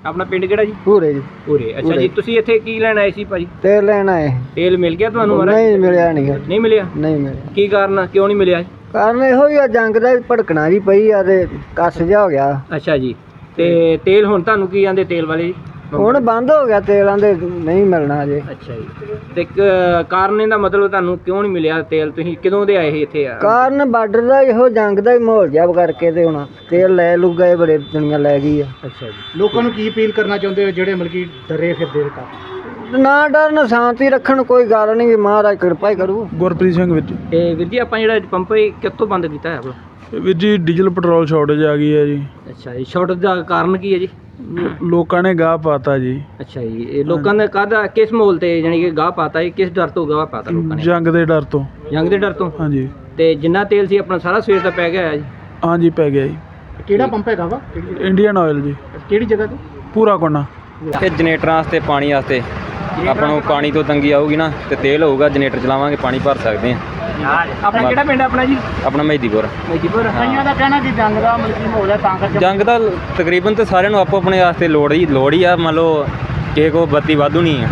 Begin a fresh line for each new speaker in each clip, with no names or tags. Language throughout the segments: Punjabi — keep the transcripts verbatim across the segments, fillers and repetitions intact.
ਆਪਣਾ ਪਿੰਡ ਕਿਹੜਾ ਜੀ?
ਪੂਰੇ ਜੀ।
ਪੂਰੇ। ਅੱਛਾ ਜੀ, ਤੁਸੀਂ ਇੱਥੇ ਕੀ ਲੈਣ ਆਏ ਸੀ ਭਾਜੀ?
ਤੇਲ ਲੈਣ ਆਏ।
ਤੇਲ ਮਿਲ ਗਿਆ ਤੁਹਾਨੂੰ ਮਹਾਰਾਜ?
ਨਹੀਂ ਮਿਲਿਆ ਨਹੀਂ
ਨਹੀਂ ਮਿਲਿਆ?
ਨਹੀਂ ਮਿਲਿਆ।
ਕੀ ਕਾਰਨ, ਕਿਉਂ ਨਹੀਂ ਮਿਲਿਆ?
ਕਾਰਨ ਇਹੋ ਹੀ ਆ, ਜੰਗ ਦਾ ਭੜਕਣਾ ਜੀ ਪਈ ਆ ਤੇ ਕੱਸ ਜਿਹਾ ਹੋ ਗਿਆ।
ਅੱਛਾ ਜੀ, ਤੇ ਤੇਲ ਹੁਣ ਤੁਹਾਨੂੰ ਕੀ ਆਂਦੇ ਤੇਲ ਵਾਲੇ ਜੀ?
ਹੁਣ ਬੰਦ ਹੋ ਗਿਆ ਤੇਲਾਂ ਦੇ, ਨਹੀਂ ਮਿਲਣਾ ਅਜੇ।
ਅੱਛਾ ਜੀ, ਤੇ ਕ- ਕਾਰਨ ਇਹਦਾ ਮਤਲਬ ਤੁਹਾਨੂੰ ਕਿਉਂ ਨਹੀਂ ਮਿਲਿਆ ਤੇਲ? ਤੁਸੀਂ ਕਦੋਂ ਦੇ ਆਏ ਸੀ ਇੱਥੇ? ਆ
ਕਾਰਨ ਬਾਰਡਰ ਦਾ ਇਹੋ ਜੰਗ ਦਾ ਹੀ ਮਾਹੌਲ ਜਿਹਾ ਕਰਕੇ ਤੇ ਹੁਣ ਤੇਲ ਲੈ ਲੂ ਗਏ, ਬੜੇ ਦੁਨੀਆ ਲੈ ਗਈ ਆ।
ਅੱਛਾ ਜੀ,
ਲੋਕਾਂ ਨੂੰ ਕੀ ਅਪੀਲ ਕਰਨਾ ਚਾਹੁੰਦੇ ਹੋ ਜਿਹੜੇ ਮਤਲਬ ਕਿ ਡਰੇ ਫਿਰਦੇ ਨੇ?
ਨਾ ਡਰਨ, ਸ਼ਾਂਤੀ ਰੱਖਣ, ਕੋਈ ਗੱਲ ਨਹੀਂ, ਮਹਾਰਾਜ ਕਿਰਪਾ ਹੀ ਕਰੂ।
ਗੁਰਪ੍ਰੀਤ ਸਿੰਘ ਵੀਰ ਜੀ।
ਤੇ ਵੀਰ ਜੀ ਆਪਾਂ ਜਿਹੜਾ ਪੰਪ ਇਹ ਕਿੱਥੋਂ ਬੰਦ ਕੀਤਾ ਹੈ ਆਪਣਾ?
ਵੀਰ ਜੀ ਡੀਜ਼ਲ ਪੈਟਰੋਲ ਸ਼ਾਰਟੇਜ ਆ ਗਈ ਹੈ ਜੀ।
ਅੱਛਾ ਜੀ, ਸ਼ਾਰਟ ਦਾ ਕਾਰਨ ਕੀ ਹੈ ਜੀ?
ਲੋਕਾਂ ਨੇ ਗਾਹ ਪਾਤਾ ਜੀ।
ਅੱਛਾ ਜੀ, ਇਹ ਲੋਕਾਂ ਨੇ ਕਾਹਦਾ, ਕਿਸ ਮੋਲ ਤੇ ਜਾਨੀ ਕਿ ਗਾਹ ਪਾਤਾ? ਇਹ ਕਿਸ ਡਰ ਤੋਂ ਗਾਹ ਪਾਤਾ ਲੋਕਾਂ ਨੇ?
ਜੰਗ ਦੇ ਡਰ ਤੋਂ।
ਜੰਗ ਦੇ ਡਰ ਤੋਂ?
ਹਾਂਜੀ
ਤੇ ਜਿੰਨਾ ਤੇਲ ਸੀ ਆਪਣਾ ਸਾਰਾ ਸਵੇਰ ਦਾ ਪੈ ਗਿਆ ਹੈ ਜੀ?
ਹਾਂਜੀ ਪੈ ਗਿਆ ਜੀ।
ਕਿਹੜਾ ਪੰਪ ਹੈਗਾ ਵਾ?
ਇੰਡੀਅਨ ਆਇਲ ਜੀ।
ਕਿਹੜੀ ਜਗ੍ਹਾ ਤੇ?
ਪੂਰਾ ਕੋਨਾ।
ਇਹ ਜਨਰੇਟਰਾਂ ਵਾਸਤੇ, ਪਾਣੀ ਵਾਸਤੇ ਆਪਾਂ ਨੂੰ ਪਾਣੀ ਤੋਂ ਤੰਗੀ ਆਊਗੀ ਨਾ, ਤੇ ਤੇਲ ਹੋਊਗਾ, ਜਨਰੇਟਰ ਚਲਾਵਾਂਗੇ, ਪਾਣੀ ਭਰ ਸਕਦੇ ਹਾਂ।
ਆਪਣਾ ਕਿਹੜਾ ਪਿੰਡ ਆਪਣਾ ਜੀ?
ਆਪਣਾ ਮਹਿਦੀਪੁਰ।
ਮਜੀਪੁਰ।
ਕਈਆਂ ਦਾ ਕਹਿਣਾ ਕਿ ਜੰਗ ਦਾ ਮਤਲਬ ਕਿ ਮਾਹੌਲ ਹੈ ਤਾਂ ਕਰਕੇ
ਜੰਗ ਦਾ ਤਕਰੀਬਨ ਤੇ ਸਾਰਿਆਂ ਨੂੰ ਆਪੋ ਆਪਣੇ ਵਾਸਤੇ ਲੋੜ ਹੀ ਲੋੜ ਹੀ ਆ। ਮੰਨ ਲਓ ਕਿਸੇ ਕੋਲ ਬੱਤੀ ਵਾਧੂ ਨਹੀਂ ਆ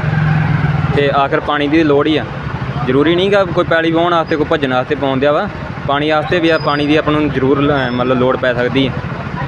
ਤੇ ਆਖਰ ਪਾਣੀ ਦੀ ਲੋੜ ਹੀ ਆ। ਜ਼ਰੂਰੀ ਨਹੀਂ ਗਾ ਕੋਈ ਪੈਲੀ ਵਾਹੁਣ ਵਾਸਤੇ, ਕੋਈ ਭੱਜਣ ਵਾਸਤੇ ਪਾਉਣ ਦਿਆ ਵਾ, ਪਾਣੀ ਵਾਸਤੇ ਵੀ ਆ। ਪਾਣੀ ਦੀ ਆਪਾਂ ਨੂੰ ਜ਼ਰੂਰ ਲ- ਮਤਲਬ ਲੋੜ ਪੈ ਸਕਦੀ ਹੈ।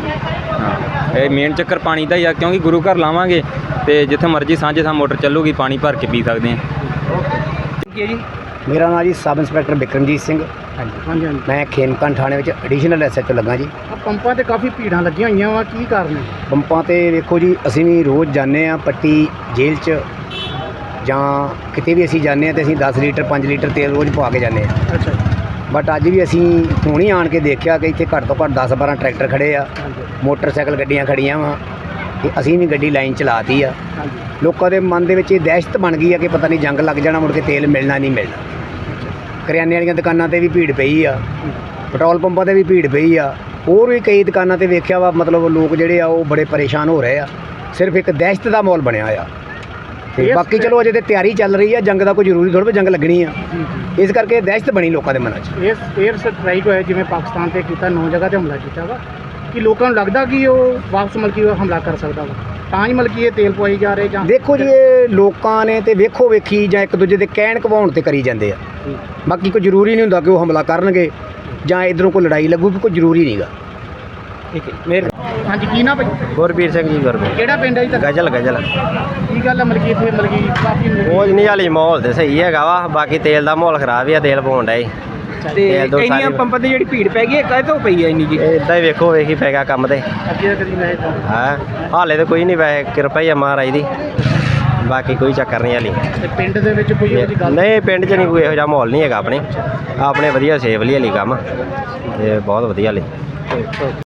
ਹਾਂ, ਇਹ ਮੇਨ ਚੱਕਰ ਪਾਣੀ ਦਾ ਹੀ ਆ, ਕਿਉਂਕਿ ਗੁਰੂ ਘਰ ਲਾਵਾਂਗੇ ਤੇ ਜਿੱਥੇ ਮਰਜ਼ੀ ਸਾਂਝੇ ਸਾਂ ਮੋਟਰ ਚੱਲੂਗੀ, ਪਾਣੀ ਭਰ ਕੇ ਪੀ ਸਕਦੇ ਹਾਂ।
ਕੀ ਹੈ ਜੀ?
ਮੇਰਾ ਨਾਮ ਜੀ ਸਬ ਇੰਸਪੈਕਟਰ ਬਿਕਰਮਜੀਤ ਸਿੰਘ।
ਹਾਂਜੀ ਹਾਂਜੀ।
ਮੈਂ ਖੇਮਕਰਨ ਥਾਣੇ ਵਿੱਚ ਐਡੀਸ਼ਨਲ ਐਸ ਐਚ ਓ ਲੱਗਾ ਜੀ।
ਆ ਪੰਪਾਂ ਤੇ ਕਾਫੀ ਭੀੜਾਂ ਲੱਗੀਆਂ ਹੋਈਆਂ ਵਾ, ਕੀ ਕਾਰਨ ਹੈ?
ਪੰਪਾਂ ਤੇ ਵੇਖੋ ਜੀ, ਅਸੀਂ ਵੀ ਰੋਜ਼ ਜਾਂਦੇ ਆ ਪੱਟੀ ਜੇਲ੍ਹ 'ਚ ਜਾਂ ਕਿਤੇ ਵੀ ਅਸੀਂ ਜਾਂਦੇ ਆ ਤੇ ਅਸੀਂ ਦਸ ਲੀਟਰ ਪੰਜ ਲੀਟਰ ਤੇਲ ਰੋਜ਼ ਪਵਾ ਕੇ ਜਾਂਦੇ ਆ।
ਅੱਛਾ
ਬਟ ਅੱਜ ਵੀ ਅਸੀਂ ਹੁਣ ਹੀ ਆਣ ਕੇ ਦੇਖਿਆ ਕਿ ਇੱਥੇ ਘੱਟ ਤੋਂ ਘੱਟ ਦਸ ਬਾਰਾਂ ਟਰੈਕਟਰ ਖੜੇ ਆ, ਮੋਟਰਸਾਈਕਲ ਗੱਡੀਆਂ ਖੜੀਆਂ ਵਾ ਤੇ ਅਸੀਂ ਵੀ ਗੱਡੀ ਲਾਈਨ ਚਲਾਤੀ ਆ।
ਹਾਂਜੀ।
ਲੋਕਾਂ ਦੇ ਮਨ ਦੇ ਵਿੱਚ ਇਹ ਦਹਿਸ਼ਤ ਬਣ ਗਈ ਆ ਕਿ ਪਤਾ ਨਹੀਂ ਜੰਗ ਲੱਗ ਜਾਣਾ, ਮੁੜ ਕੇ ਤੇਲ ਮਿਲਣਾ ਨਹੀਂ ਮਿਲਣਾ। ਕਰਿਆਨੇ ਵਾਲੀਆਂ ਦੁਕਾਨਾਂ ਤੇ ਵੀ ਭੀੜ ਪਈ ਆ, ਪੈਟਰੋਲ ਪੰਪਾਂ ਤੇ ਵੀ ਭੀੜ ਪਈ ਆ, ਹੋਰ ਵੀ ਕਈ ਦੁਕਾਨਾਂ ਤੇ ਵੇਖਿਆ ਵਾ। ਮਤਲਬ ਲੋਕ ਜਿਹੜੇ ਆ ਉਹ ਬੜੇ ਪਰੇਸ਼ਾਨ ਹੋ ਰਹੇ ਆ, ਸਿਰਫ ਇੱਕ ਦਹਿਸ਼ਤ ਦਾ ਮਾਹੌਲ ਬਣਿਆ ਆ। ਤੇ ਬਾਕੀ ਚਲੋ ਅਜੇ ਤੇ ਤਿਆਰੀ ਚੱਲ ਰਹੀ ਆ, ਜੰਗ ਦਾ ਕੋਈ ਜ਼ਰੂਰੀ ਥੋੜ੍ਹਾ ਵੀ ਜੰਗ ਲੱਗਣੀ ਆ, ਇਸ ਕਰਕੇ ਦਹਿਸ਼ਤ ਬਣੀ ਲੋਕਾਂ ਦੇ ਮਨਾਂ 'ਚ।
ਇਸ 에ਅਰ ਸਟ੍ਰਾਈਕ ਹੋਇਆ ਜਿਵੇਂ ਪਾਕਿਸਤਾਨ ਤੇ ਕੀਤਾ, ਨੌ ਜਗ੍ਹਾ ਤੇ ਹਮਲਾ ਕੀਤਾ ਵਾ, ਕਿ ਲੋਕਾਂ ਨੂੰ ਲੱਗਦਾ ਕਿ ਉਹ ਵਾਪਸ ਮਤਲਬ ਕਿ ਉਹ ਹਮਲਾ ਕਰ ਸਕਦਾ ਵਾ, ਤਾਂ ਹੀ ਮਤਲਬ ਕਿ ਇਹ ਤੇਲ ਪਵਾਈ ਜਾ ਰਹੇ ਜਾਂ?
ਦੇਖੋ ਜੀ, ਇਹ ਲੋਕਾਂ ਨੇ ਤੇ ਵੇਖੋ ਵੇਖੀ ਜਾਂ ਇੱਕ ਦੂਜੇ ਦੇ ਕਹਿਣ ਕਵਾਉਣ ਤੇ ਕਰੀ ਜਾਂਦੇ ਆ। ਬਾਕੀ ਕੋਈ ਜ਼ਰੂਰੀ ਨਹੀਂ ਹੁੰਦਾ ਕਿ ਉਹ ਹਮਲਾ ਕਰਨਗੇ ਜਾਂ ਇੱਧਰੋਂ ਕੋਈ ਲੜਾਈ ਲੱਗੂਗੀ, ਕੋਈ ਜ਼ਰੂਰੀ ਨਹੀਂਗਾ।
ਠੀਕ ਹੈ ਮੇਰੇ।
ਹਾਂਜੀ, ਕੀ ਨਾ ਭਾਈ?
ਗੁਰਬੀਰ ਸਿੰਘ ਜੀ। ਗੁਰਬੀਰ
ਕਿਹੜਾ ਪਿੰਡ ਹੈ ਜੀ ਤੁਹਾਡਾ?
ਗਜਲ ਗਜਲ।
ਕੀ ਗੱਲ ਹੈ ਮਤਲਬ ਕਿ ਇੱਥੇ ਮਤਲਬ ਕਿ ਕਾਫੀ
ਉਹ ਨਹੀਂ ਹਾਲੀ ਮਾਹੌਲ ਤੇ ਸਹੀ ਹੈਗਾ ਵਾ, ਬਾਕੀ ਤੇਲ ਦਾ ਮਾਹੌਲ ਖਰਾਬ ਹੀ ਆ, ਤੇਲ ਪਾਉਣ ਡਿਆ ਜੀ।
ਤੇ
ਤੇਲ ਦੋ
ਇੰਨੀਆਂ
ਸਾਰੀ-
ਪੰਪਾਂ ਤੇ ਜਿਹੜੀ ਭੀੜ ਪੈ ਗਈ ਹੈ, ਕਾਹਦੇ ਤੋਂ ਪਈ ਹੈ ਇੰਨੀ ਜੀ?
ਇਦਾਂ ਹੀ ਵੇਖੋ ਵੇਖੀ ਪੈ ਗਿਆ ਕੰਮ ਤੇ।
ਅੱਗੇ ਕਦੀ ਮੈਂ
ਹਾਂ, ਹਾਲੇ ਤਾਂ ਕੋਈ ਨਹੀਂ, ਵੈਸੇ ਕਿਰਪਾ ਹੀ ਆ ਮਹਾਰਾਜ ਦੀ, ਬਾਕੀ ਕੋਈ ਚੱਕਰ ਨਹੀਂ ਹਾਲੀ।
ਤੇ ਪਿੰਡ ਦੇ ਵਿੱਚ ਕੋਈ ਇਹੋ ਜਿਹੀ ਗੱਲ?
ਨਹੀਂ, ਪਿੰਡ 'ਚ ਨਹੀਂ ਕੋਈ ਇਹੋ ਜਿਹਾ ਮਾਹੌਲ ਨਹੀਂ ਹੈਗਾ ਆਪਣੇ ਆਪਣੇ ਵਧੀਆ ਸੇਫਲੀ ਹਾਲੀ ਕੰਮ, ਤੇ ਬਹੁਤ ਵਧੀਆ ਹਾਲੀ।